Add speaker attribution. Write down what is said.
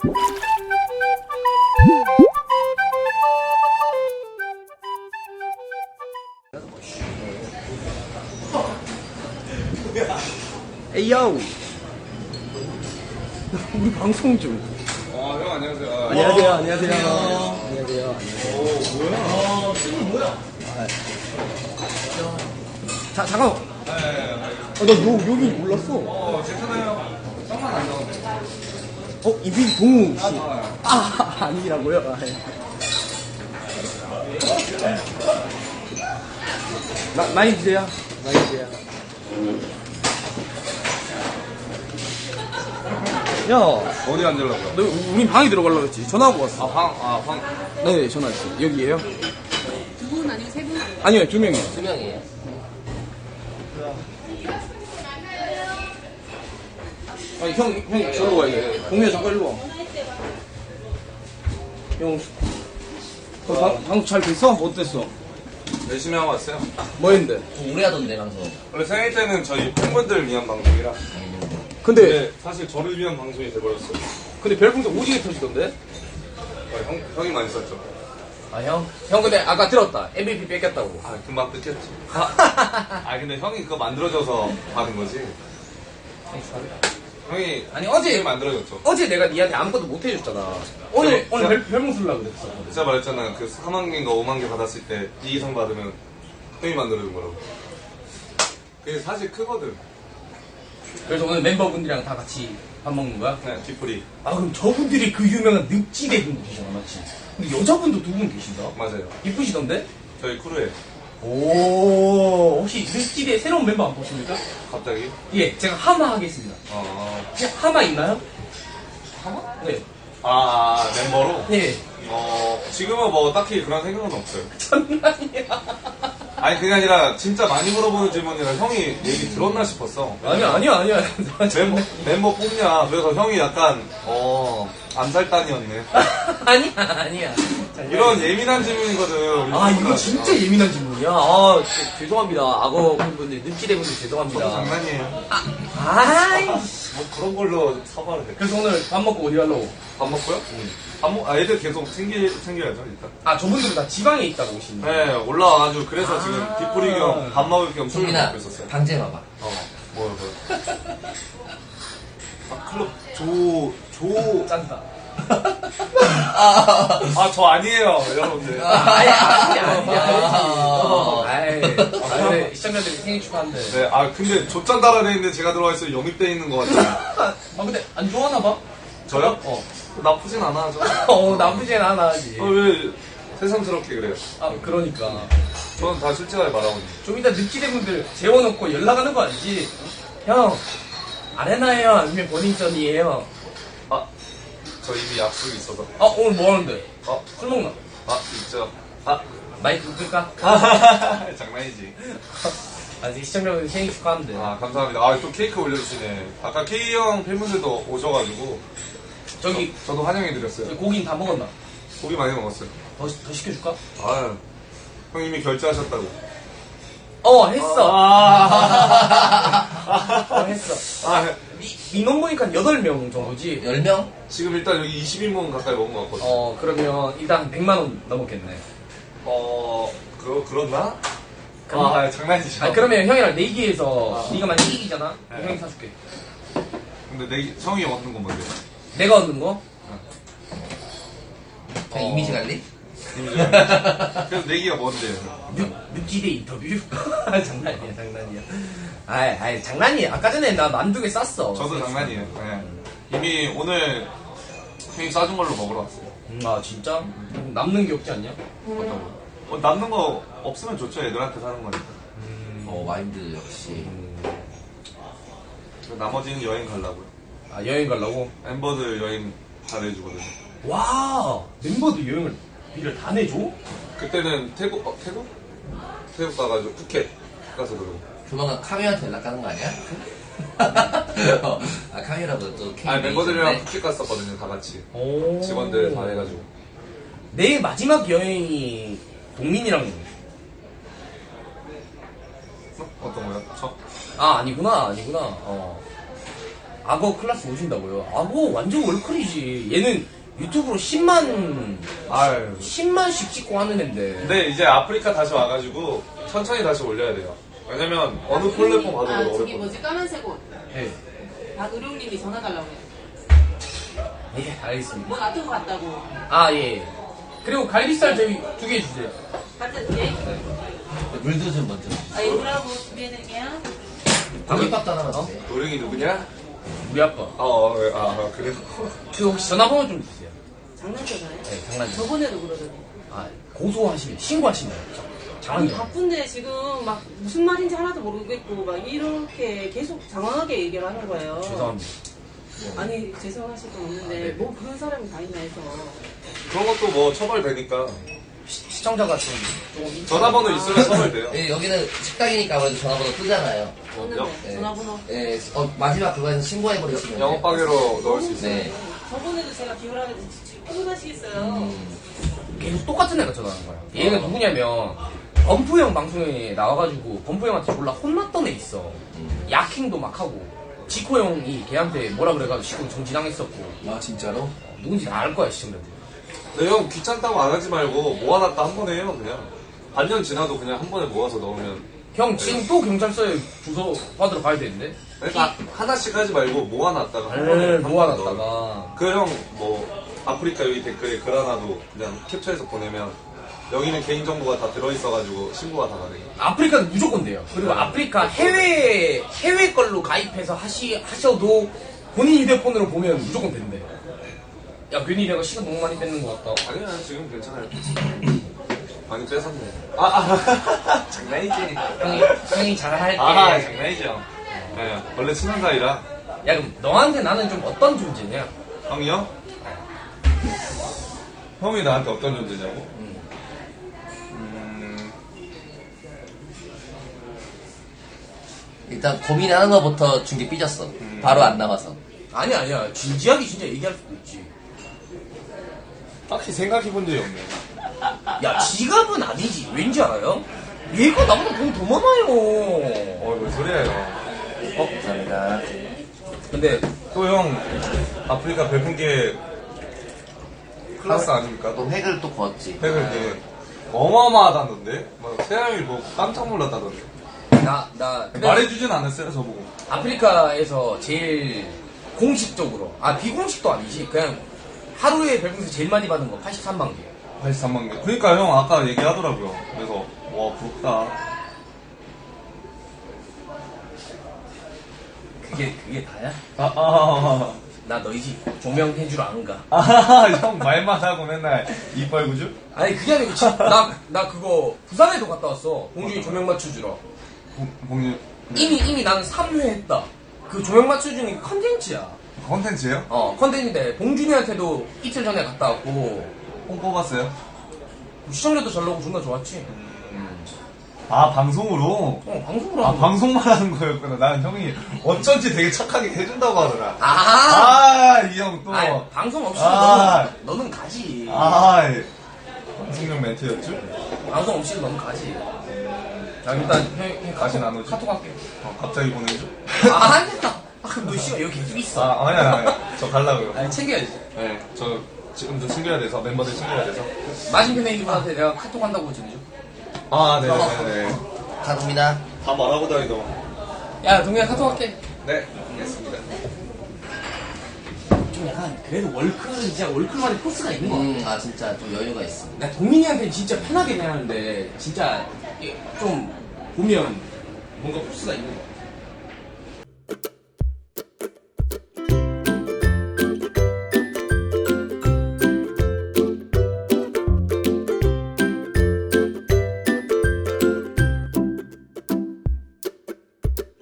Speaker 1: 에이요. 우리 방송 중.
Speaker 2: 형 안녕하세요.
Speaker 1: 안녕하세요. 안녕하세요. 안녕하세요.
Speaker 2: 오 뭐야?
Speaker 1: 지금 뭐야? 잠깐만. 나 여기 몰랐어.
Speaker 2: 괜찮아요. 쌍만 안 나오네.
Speaker 1: 이빈 동우 씨. 아니라고요? 많이 드세요. 많이 드세요. 야,
Speaker 2: 어디 앉으려고요?
Speaker 1: 너 우린 방에 들어가려고 했지. 전화하고 왔어.
Speaker 2: 방.
Speaker 1: 네, 전화했어. 여기에요?
Speaker 3: 두 분 아니고 세 분?
Speaker 1: 아니요, 2명이요.
Speaker 3: 2명이에요.
Speaker 1: 아니, 형, 저로 가야 돼. 동네 잠깐 일로 와. 형, 방송 잘 됐어? 어땠어?
Speaker 2: 열심히 하고 왔어요.
Speaker 1: 뭐 했는데?
Speaker 3: 오래 하던데, 방송.
Speaker 2: 원래 생일 때는 저희 팬분들 위한 방송이라.
Speaker 1: 근데
Speaker 2: 사실 저를 위한 방송이 돼버렸어요.
Speaker 1: 별풍선 오지게 터지던데?
Speaker 2: 형이 많이 썼죠.
Speaker 3: 아, 형?
Speaker 1: 형 근데 아까 들었다. MVP 뺏겼다고.
Speaker 2: 금방 뜯겼지. 근데 형이 그거 만들어줘서 받은 거지. 형이
Speaker 1: 아니, 어제
Speaker 2: 만들어줬죠.
Speaker 1: 내가 니한테 아무것도 못 해줬잖아. 오늘 별풍 쓰려고 그랬어.
Speaker 2: 제가 말했잖아. 그 4만 개인가 5만 개 받았을 때 이 이상 받으면 형이 만들어준 거라고. 그게 사실 크거든.
Speaker 1: 그래서 오늘 멤버분들이랑 다 같이 밥 먹는 거야?
Speaker 2: 네, 뒤풀이.
Speaker 1: 그럼 저분들이 그 유명한 늑지대 분도 계시잖아, 맞지? 근데 여자분도 두 분 계신다?
Speaker 2: 맞아요.
Speaker 1: 이쁘시던데?
Speaker 2: 저희 크루에
Speaker 1: 오, 혹시 늑지대 새로운 멤버 안 보십니까?
Speaker 2: 갑자기.
Speaker 1: 예, 제가 하마 하겠습니다. 혹시 하마 있나요? 하마? 네.
Speaker 2: 멤버로?
Speaker 1: 네.
Speaker 2: 지금은 뭐 딱히 그런 생각은 없어요.
Speaker 1: 장난이야.
Speaker 2: 아니, 그게 아니라 진짜 많이 물어보는 질문이라 형이 얘기 들었나 싶었어.
Speaker 1: 아니야.
Speaker 2: 멤버 뽑냐. 그래서 형이 약간, 암살단이었네.
Speaker 1: 아니야.
Speaker 2: 이런 예민한 질문이거든.
Speaker 1: 이거 진짜 예민한 질문이야. 죄송합니다. 악어 분들, 늑지대 분들 죄송합니다.
Speaker 2: 저도 장난이에요.
Speaker 1: 아이씨.
Speaker 2: 뭐 그런 걸로 사과를 해.
Speaker 1: 그래서 오늘 밥 먹고 어디 가려고?
Speaker 2: 밥 먹고요? 애들 계속 챙겨야죠, 일단.
Speaker 1: 저분들은 다 지방에 있다고 오시는 거예요?
Speaker 2: 네, 올라와가지고, 그래서 지금 뒷풀이 겸 밥 먹을 겸 술을
Speaker 3: 종민아,
Speaker 2: 먹고 있었어요.
Speaker 3: 방제 봐봐.
Speaker 2: 뭐요? 클럽,
Speaker 1: 짠다.
Speaker 2: 저 아니에요, 여러분들.
Speaker 1: 아니야. 시청자들이 생일 축하한대.
Speaker 2: 네, 근데 조짠 달아내 있는데 제가 들어와 있어요. 영입돼 있는 것 같아요.
Speaker 1: 근데 안 좋아하나 봐?
Speaker 2: 저요? 나쁘진 않아, 저.
Speaker 1: 나쁘진 않아, 하지.
Speaker 2: 왜 새삼스럽게 그래요?
Speaker 1: 그러니까.
Speaker 2: 저는 다 솔직하게 말하고 있는데.
Speaker 1: 좀 이따 늑지대 분들 재워놓고 연락하는 거 아니지? 형, 아레나예요? 아니면 버닝썬이에요?
Speaker 2: 저 이미 약속이 있어서.
Speaker 1: 오늘 뭐 하는데? 술 먹나?
Speaker 2: 있죠.
Speaker 1: 마이크 끌까?
Speaker 2: 장난이지.
Speaker 1: 시청자분들 생일 축하한대.
Speaker 2: 감사합니다. 또 케이크 올려주시네. 아까 K형 팬분들도 오셔가지고. 저도 환영해드렸어요.
Speaker 1: 고기는 다 먹었나?
Speaker 2: 고기 많이 먹었어요.
Speaker 1: 더 시켜줄까?
Speaker 2: 형 이미 결제하셨다고.
Speaker 1: 했어. 했어. 민원 보니까 8명 정도지?
Speaker 3: 10명?
Speaker 2: 지금 일단 여기 20인분 가까이 먹은 것 같거든요.
Speaker 1: 그러면 일단 100만원 넘었겠네.
Speaker 2: 그렇나? 장난이죠.
Speaker 1: 그러면 형이랑 내기해서 네가 만약 이기잖아? 그럼 형이 사줄게.
Speaker 2: 근데 형이 얻는 건 뭔데?
Speaker 1: 내가 얻는 거?
Speaker 3: 그냥 이미지 관리?
Speaker 2: 그래서 내기가 뭔데?
Speaker 1: 늑지대 인터뷰? 장난이야. 장난이야. 아까 전에 나 만두개 쌌어.
Speaker 2: 저도 장난이에요. 네. 이미 오늘 형이 싸준 걸로 먹으러 왔어요.
Speaker 1: 진짜? 남는 게 없지 않냐?
Speaker 2: 남는 거 없으면 좋죠. 애들한테 사는 거니까.
Speaker 3: 마인드 역시.
Speaker 2: 나머지는 여행 가려고요.
Speaker 1: 여행 가려고?
Speaker 2: 멤버들 여행 다 내주거든요.
Speaker 1: 와, 멤버들 여행을 비를 다 내줘?
Speaker 2: 그때는 태국 가가지고 푸켓 가서 그러고.
Speaker 3: 조만간 카미한테 연락하는 거 아니야? 카미라고 또 케이크.
Speaker 2: 멤버들이랑 푸켓 갔었거든요, 다 같이. 직원들 다 해가지고.
Speaker 1: 내 마지막 여행이 동민이랑.
Speaker 2: 어떤 거요?
Speaker 1: 아니구나. 악어 클래스 오신다고요? 악어 완전 월클이지. 얘는 유튜브로 10만,
Speaker 2: 아유.
Speaker 1: 10만씩 찍고 하는 앤데.
Speaker 2: 근데 이제 아프리카 다시 와가지고 천천히 다시 올려야 돼요. 왜냐면 어느 플랫폼 가도
Speaker 4: 아,
Speaker 2: 어려워.
Speaker 4: 저기 뭐지 까만색 옷.
Speaker 1: 네.
Speaker 4: 박의룡님이 전화 달라고 해요.
Speaker 1: 예, 알겠습니다.
Speaker 4: 뭐 놔두고 갔다고.
Speaker 1: 아, 예. 그리고 갈비살 저희 2개 주세요.
Speaker 4: 갖다 줄게.
Speaker 3: 물도 좀 먼저.
Speaker 4: 아, 이거라고 준비해드릴게요.
Speaker 3: 고깃밥도 하나만 주세요.
Speaker 2: 노령이 누구냐?
Speaker 1: 우리 아빠.
Speaker 2: 그래요?
Speaker 1: 그 혹시 전화번호 좀 주세요.
Speaker 4: 장난쳐서요?
Speaker 1: 네, 장난이에요.
Speaker 4: 저번에도 그러더니.
Speaker 1: 아, 고소하시면, 신고하시면.
Speaker 4: 아니,
Speaker 1: 장난이에요.
Speaker 4: 바쁜데 지금 막 무슨 말인지 하나도 모르겠고 막 이렇게 계속 장황하게 얘기를 하는 거예요.
Speaker 1: 죄송합니다.
Speaker 4: 아니, 죄송하실 건 없는데
Speaker 1: 네.
Speaker 4: 뭐 그런 사람이 다 있나 해서.
Speaker 2: 그런 것도 뭐 처벌되니까.
Speaker 1: 시청자가 좀 조금.
Speaker 2: 전화번호 있으면 처벌돼요.
Speaker 3: 예, 여기는 식당이니까 아무래도 전화번호 뜨잖아요.
Speaker 4: 썼는데
Speaker 3: 예.
Speaker 4: 전화번호.
Speaker 3: 예, 마지막 그거에서 신고해버리시면. 돼요.
Speaker 2: 영업방해로 넣을 수 있어요.
Speaker 3: 네.
Speaker 4: 저번에도 제가 비열하게 피곤하시겠어요.
Speaker 1: 계속 똑같은 애가 전화하는 거야. 얘는 누구냐면 범프형 방송에 나와가지고 범프형한테 몰라 혼났던 애 있어. 야킹도 막 하고 지코 형이 걔한테 뭐라 그래가지고 지코 정지당했었고.
Speaker 3: 아, 진짜로?
Speaker 1: 누군지 다 알 거야 시청자들.
Speaker 2: 근데 형 귀찮다고 안 하지 말고 모아놨다 한 번에 해요 그냥. 반년 지나도 그냥 한 번에 모아서 넣으면.
Speaker 1: 형 지금 또 경찰서에 주소 받으러 가야 되는데.
Speaker 2: 그러니까 하나씩 하지 말고 모아놨다가 한 번에 한 번에 넣어요.
Speaker 1: 모아놨다가.
Speaker 2: 그 형 뭐 아프리카 여기 댓글에 글 하나도 그냥 캡처해서 보내면 여기는 개인정보가 다 들어있어가지고 신고가 다 가능해요.
Speaker 1: 아프리카는 무조건 돼요. 그리고 아프리카 해외 걸로 가입해서 하셔도 본인 휴대폰으로 보면 무조건 된대. 야 괜히 내가 시간 너무 많이 뺏는 것 같다.
Speaker 2: 아니야 지금 괜찮아요. 많이 뺏었네. 장난이지.
Speaker 1: 형이 잘할게.
Speaker 2: 장난이죠. 네, 원래 친한 사이라.
Speaker 1: 야 그럼 너한테 나는 좀 어떤 존재냐?
Speaker 2: 형이요? 형이 나한테 어떤 존재냐고?
Speaker 3: 일단 고민하는 것부터 중계 삐졌어. 바로 안 나와서.
Speaker 1: 아니야 진지하게 진짜 얘기할 수도 있지.
Speaker 2: 딱히 생각해본 적이 없네.
Speaker 1: 야 지갑은 아니지. 왠지 알아요? 얘가 나보다 돈 더 많아요.
Speaker 2: 뭔 소리예요.
Speaker 3: 감사합니다.
Speaker 1: 근데
Speaker 2: 또 형 아프리카 별풍계 클래스 아닙니까?
Speaker 3: 또 획을 또 그었지.
Speaker 2: 팩을 이게 어마어마하다던데? 막 세상을 보고 깜짝 놀랐다던데.
Speaker 1: 나
Speaker 2: 말해주진 않았어요 저보고.
Speaker 1: 아프리카에서 제일 공식적으로 비공식도 아니지 그냥 하루에 별풍선 제일 많이 받은 거 83만 개.
Speaker 2: 83만 개. 그러니까 형 아까 얘기하더라고요. 그래서 와 부럽다.
Speaker 1: 그게 다야?
Speaker 2: 아,
Speaker 1: 나 너희 집 조명해주러 안 가.
Speaker 2: 형 말만 하고 맨날 이빨 구주?
Speaker 1: 아니 그게 아니고 나 그거 부산에도 갔다 왔어. 봉준이 조명 맞춰주러.
Speaker 2: 봉유
Speaker 1: 이미 나는 3회 했다. 그 조명 맞춰주는 게 컨텐츠야.
Speaker 2: 컨텐츠예요?
Speaker 1: 컨텐츠인데 봉준이한테도 이틀 전에 갔다 왔고
Speaker 2: 뽕 뽑았어요?
Speaker 1: 시청자도 잘 나오고 존나 좋았지.
Speaker 2: 아 방송으로?
Speaker 1: 방송으로
Speaker 2: 아
Speaker 1: 하는 거야.
Speaker 2: 방송만 하는 거였구나. 나는 형이 어쩐지 되게 착하게 해준다고 하더라. 이 형 또.
Speaker 1: 아니, 방송 없이도 너는 가지.
Speaker 2: 방송용 멘트였죠?
Speaker 1: 방송 없이도 너는 가지. 자, 일단 형
Speaker 2: 다시 나누지.
Speaker 1: 카톡 할게.
Speaker 2: 갑자기 보내줘?
Speaker 1: 아니야. 그럼 너 씨가 여기 계속 있어.
Speaker 2: 아니야. 저 갈라고요.
Speaker 1: 아니, 챙겨야지.
Speaker 2: 네, 저 지금도 챙겨야 돼서, 멤버들 챙겨야 돼서.
Speaker 1: 맞은편에 있는 분한테 내가 카톡 한다고 전해줘.
Speaker 2: 네네네.
Speaker 3: 가봅니다.
Speaker 2: 다 말하고 다니더만.
Speaker 1: 야, 동현아 카톡 할게.
Speaker 2: 네, 알겠습니다.
Speaker 1: 좀 약간, 그래도 월클은 진짜 월클만의 포스가 있는 거 같아.
Speaker 3: 진짜 좀 여유가 있어.
Speaker 1: 나 동민이한테 진짜 편하게 대하는데, 진짜 좀 보면 뭔가 포스가 있는 거 같아.